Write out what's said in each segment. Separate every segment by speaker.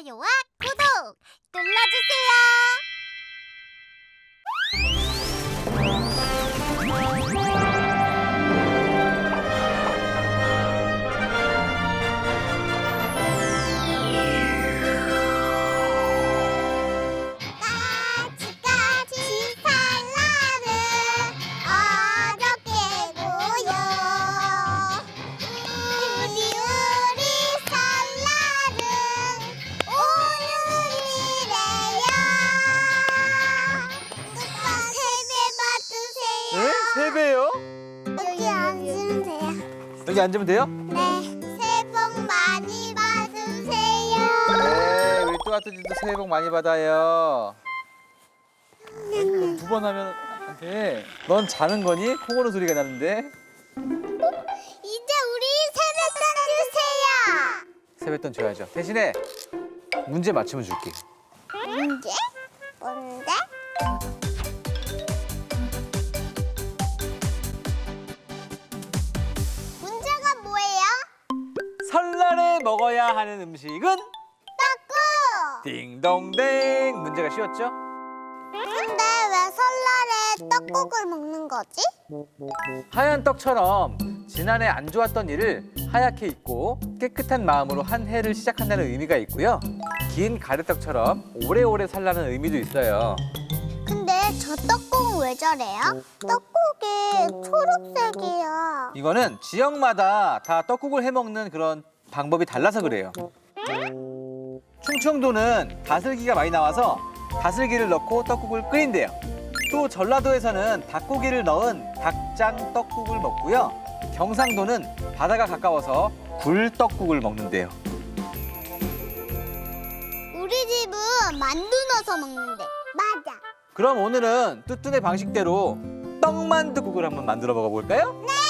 Speaker 1: 좋아요와 구독 눌러주세요. 까치까치 산란을 어렵게 고요. 우리 설날은 오늘이래요. 세배 받으세요.
Speaker 2: 네? 세 배요?
Speaker 1: 여기 앉으면 돼요.
Speaker 2: 여기 앉으면 돼요?
Speaker 1: 네, 새해 복 많이 받으세요.
Speaker 2: 네, 우리 또아뚜지도 새해 복 많이 받아요. 두 번 하면 안 돼. 넌 자는 거니? 코 고는 소리가 나는데.
Speaker 1: 이제 우리 세뱃돈 주세요.
Speaker 2: 세뱃돈 줘야죠. 대신에 문제 맞추면 줄게.
Speaker 1: 문제? 뭔데? 문제가 뭐예요?
Speaker 2: 설날에 먹어야 하는 음식은?
Speaker 1: 떡국!
Speaker 2: 딩동댕. 문제가 쉬웠죠?
Speaker 1: 근데 왜 설날에 떡국을 먹는 거지?
Speaker 2: 하얀 떡처럼 지난해 안 좋았던 일을 하얗게 잊고 깨끗한 마음으로 한 해를 시작한다는 의미가 있고요. 긴 가래떡처럼 오래오래 살라는 의미도 있어요.
Speaker 1: 근데 저 떡국은 왜 저래요? 떡국이 초록색이야.
Speaker 2: 이거는 지역마다 다 떡국을 해먹는 그런 방법이 달라서 그래요. 충청도는 다슬기가 많이 나와서 다슬기를 넣고 떡국을 끓인대요. 또 전라도에서는 닭고기를 넣은 닭장 떡국을 먹고요. 경상도는 바다가 가까워서 굴떡국을 먹는데요.
Speaker 1: 우리 집은 만두 넣어서 먹는데. 맞아.
Speaker 2: 그럼 오늘은 뚜뚜네 방식대로 떡만두국을 한번 만들어 먹어볼까요?
Speaker 1: 네!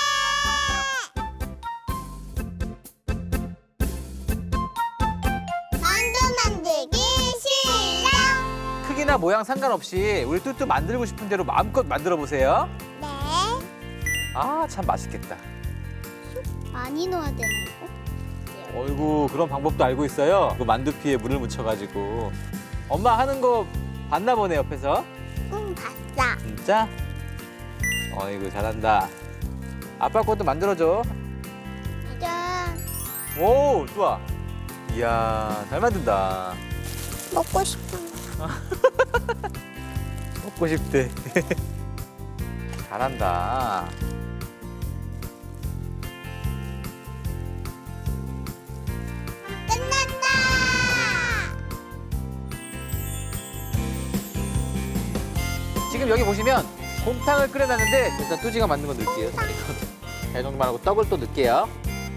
Speaker 1: 만두 만들기 시작!
Speaker 2: 크기나 모양 상관없이 우리 뚜뚜 만들고 싶은 대로 마음껏 만들어 보세요.
Speaker 1: 네.
Speaker 2: 아, 참 맛있겠다.
Speaker 1: 많이 넣어야 되나 이거?
Speaker 2: 어이구, 그런 방법도 알고 있어요. 그 만두피에 물을 묻혀가지고. 엄마 하는 거 봤나 보네, 옆에서.
Speaker 1: 응, 봤어.
Speaker 2: 진짜? 어이구, 잘한다. 아빠 것도 만들어줘.
Speaker 1: 이제
Speaker 2: 오, 좋아. 이야, 잘 만든다.
Speaker 1: 먹고 싶은 거.
Speaker 2: 먹고 싶대. 잘한다.
Speaker 1: 끝났다!
Speaker 2: 지금 여기 보시면 곰탕을 끓여놨는데 일단 뚜지가 만든 거 넣을게요. 대종만 하고 떡을 또 넣을게요.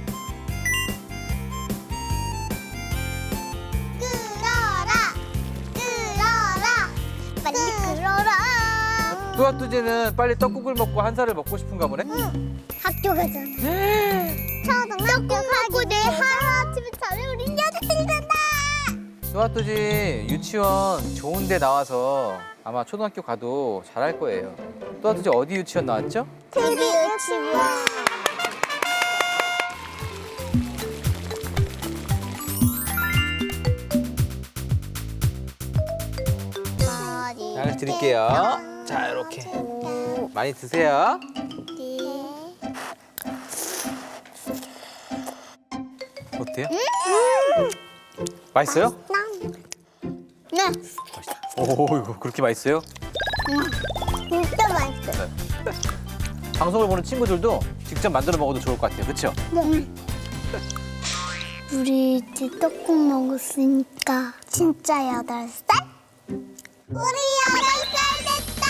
Speaker 1: 끓어라! 끓어라! 빨리 끓어라!
Speaker 2: 뚜아뚜지는 빨리 떡국을 먹고 한 살을 먹고 싶은가 보네?
Speaker 1: 학교 가잖아. 초등학교 가고 내 하루아침에 자면 우리 녀석들이 된다!
Speaker 2: 뚜아뚜지 유치원 좋은 데 나와서 아마 초등학교 가도 잘할 거예요. 뚜아뚜지 어디 유치원 나왔죠?
Speaker 1: TV 유치원.
Speaker 2: 잘 드릴게요. 자, 이렇게. 많이 드세요. 어때요? 맛있어요?
Speaker 1: 네,
Speaker 2: 맛있다. 오, 이거 그렇게 맛있어요?
Speaker 1: 진짜 맛있어.
Speaker 2: 방송을 보는 친구들도 직접 만들어 먹어도 좋을 것 같아요. 그렇죠?
Speaker 1: 네. 우리 이제 떡국 먹었으니까 진짜 8살? 우리 8살 됐다!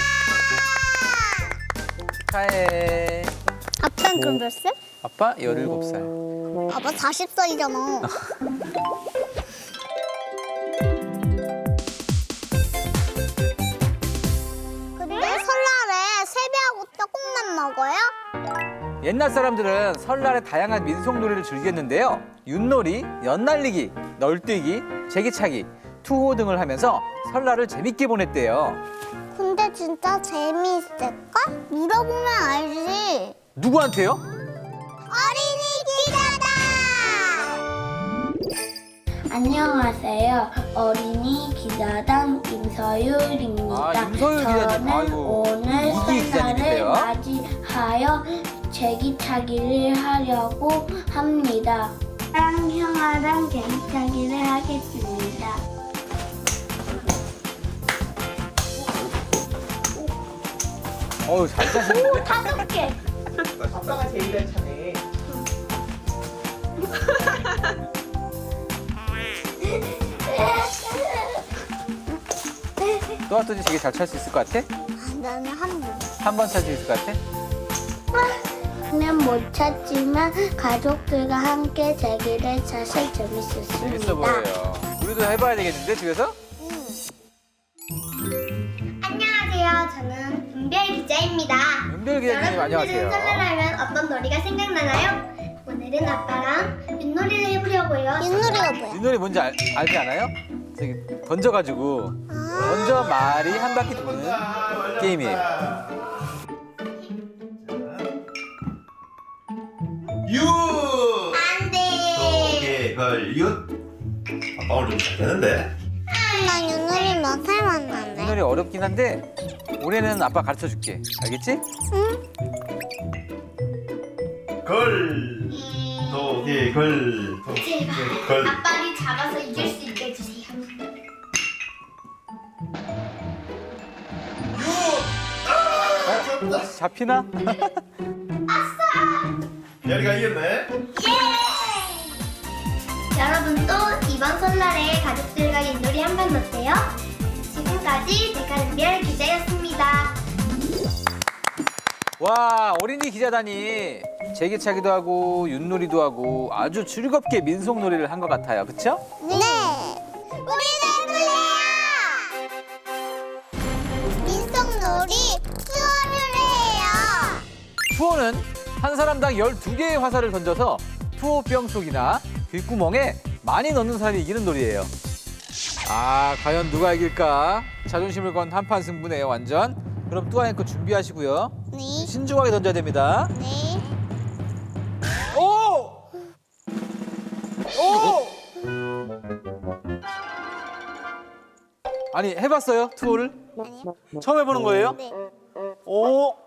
Speaker 2: 축하해.
Speaker 1: 아빠는 그럼 몇 살?
Speaker 2: 아빠 17살.
Speaker 1: 아빠 40살이잖아. 근데 설날에 세배하고 떡국만 먹어요?
Speaker 2: 옛날 사람들은 설날에 다양한 민속놀이를 즐겼는데요. 윷놀이, 연날리기, 널뛰기, 제기차기, 투호 등을 하면서 설날을 재밌게 보냈대요.
Speaker 1: 근데 진짜 재미있을까? 물어보면 알지.
Speaker 2: 누구한테요?
Speaker 1: 어린이 기자다!
Speaker 3: 안녕하세요. 어린이 기자단 임서율입니다.
Speaker 2: 아, 임서율 기자님.
Speaker 3: 저는
Speaker 2: 아이고,
Speaker 3: 오늘
Speaker 2: 이기
Speaker 3: 설날을
Speaker 2: 기자님인데요.
Speaker 3: 맞이하여 제기차기를 하려고 합니다. 형아랑 제기차기를 하겠습니다.
Speaker 2: 어우, 잘 짜시는데?
Speaker 3: 5개.
Speaker 4: 아빠가 제일 잘 차네.
Speaker 2: 또아또지 되게 잘 찰 수 있을 것 같아?
Speaker 1: 나는 한 번.
Speaker 2: 한 번 찰 수 있을 것 같아?
Speaker 3: 는 못 찾지만 가족들과 함께 제기를 사실 재밌었습니다.
Speaker 2: 재밌어 보여요. 우리도 해봐야 되겠는데, 집에서?
Speaker 1: 안녕하세요. 저는 은별 기자입니다.
Speaker 2: 은별 기자님, 안녕하세요.
Speaker 1: 여러분들은 설날하면 어떤 놀이가 생각나나요? 오늘은 아빠랑 윷놀이를 해보려고요. 윷놀이가 뭐야?
Speaker 2: 윷놀이 뭔지 알지 않아요? 저기 던져가지고 던져 말이 한 바퀴 도는 게임이에요.
Speaker 4: 유!
Speaker 1: 안돼.
Speaker 4: 오케이, 윷. 아빠 오늘 좀 잘 되는데?
Speaker 1: 난 윷놀이 몇 살 만났네.
Speaker 2: 윷놀이 어렵긴 한데 올해는 아빠 가르쳐 줄게. 알겠지?
Speaker 4: 걸. 도개 걸. 도개 걸.
Speaker 1: 아빠를 잡아서 이길 수 있게 해주세요.
Speaker 2: 잡히나?
Speaker 4: 야리가 이겼네.
Speaker 1: 여러분도 이번 설날에 가족들과 윷놀이 한번 어때요? 지금까지 제가 은별 기자였습니다.
Speaker 2: 와, 어린이 기자단이 제기차기도 하고 윷놀이도 하고 아주 즐겁게 민속놀이를 한 것 같아요. 그쵸?
Speaker 1: 네. 우리도 해볼래요. 민속놀이 투어를 해요.
Speaker 2: 투어는 한 사람당 12개의 화살을 던져서 투어병 속이나 귓구멍에 많이 넣는 사람이 이기는 놀이예요. 아, 과연 누가 이길까? 자존심을 건 한판 승부네요, 완전. 그럼 뚜아앵커 준비하시고요.
Speaker 1: 네.
Speaker 2: 신중하게 던져야 됩니다.
Speaker 1: 네.
Speaker 2: 오! 오! 아니, 해봤어요? 투어를?
Speaker 1: 아니요.
Speaker 2: 처음 해보는 거예요?
Speaker 1: 네.
Speaker 2: 오!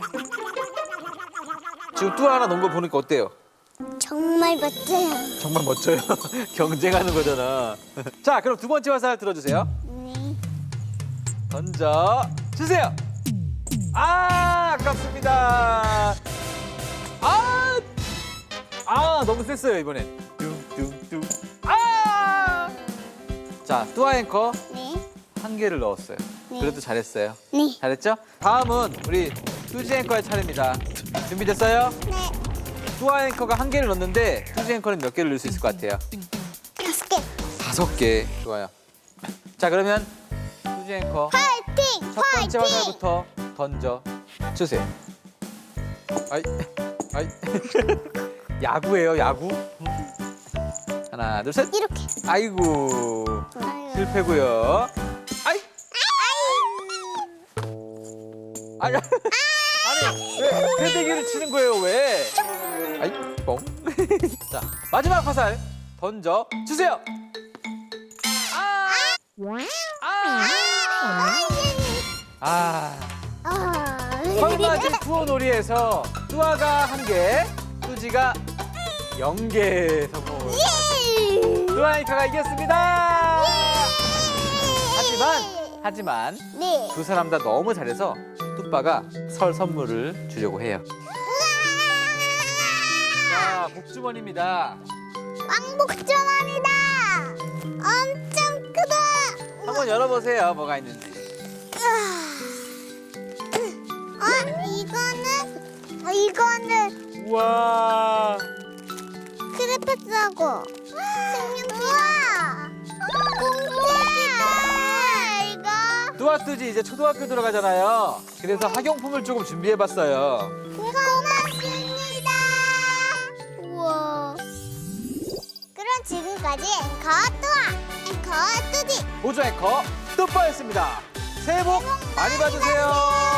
Speaker 2: 지금 뚜아 하나 넣은 거 보니까 어때요?
Speaker 1: 정말 멋져요.
Speaker 2: 정말 멋져요. 경쟁하는 거잖아. 자, 그럼 두 번째 화살 들어주세요.
Speaker 1: 네.
Speaker 2: 던져 주세요. 아, 아깝습니다. 너무 셌어요 이번엔. 뚱뚱뚱. 자, 뚜아 앵커
Speaker 1: 네.
Speaker 2: 한 개를 넣었어요.
Speaker 1: 네.
Speaker 2: 그래도 잘했어요.
Speaker 1: 네.
Speaker 2: 잘했죠? 다음은 우리 뚜지 앵커의 차례입니다. 준비됐어요?
Speaker 1: 네.
Speaker 2: 뚜아 앵커가 한 개를 넣었는데 뚜지 앵커는 몇 개를 넣을 수 있을 것 같아요?
Speaker 1: 5개.
Speaker 2: 5개. 좋아요. 자, 그러면 뚜지 앵커
Speaker 1: 파이팅!
Speaker 2: 첫 번째 화살부터 던져 주세요. 아이. 야구예요, 야구. 하나, 둘, 셋.
Speaker 1: 이렇게.
Speaker 2: 아이고.
Speaker 1: 아유.
Speaker 2: 실패고요. 아이. 아니, 왜 패대기를 치는 거예요, 왜? 아이, 뻥. 자, 마지막 화살 던져 주세요. 설맞은 투어 놀이에서 뚜아가 1개, 뚜지가 0개 성공. 뚜아이카가 이겼습니다. 하지만
Speaker 1: 네.
Speaker 2: 두 사람 다 너무 잘해서 뚜빠가 설 선물을 주려고 해요. 자, 복주머니입니다.
Speaker 1: 왕복주머니다. 엄청 크다.
Speaker 2: 한번 열어보세요. 뭐가 있는지.
Speaker 1: 이거는
Speaker 2: 우와.
Speaker 1: 크레파스하고 우와. 공주다. 이거.
Speaker 2: 뚜아뚜지 이제 초등학교 들어가잖아요. 그래서 학용품을 조금 준비해봤어요.
Speaker 1: 고맙습니다. 우와. 그럼 지금까지 앵커 뚜아, 앵커 뚜디.
Speaker 2: 보조 앵커 뚜빠였습니다. 새해 복 많이 받으세요.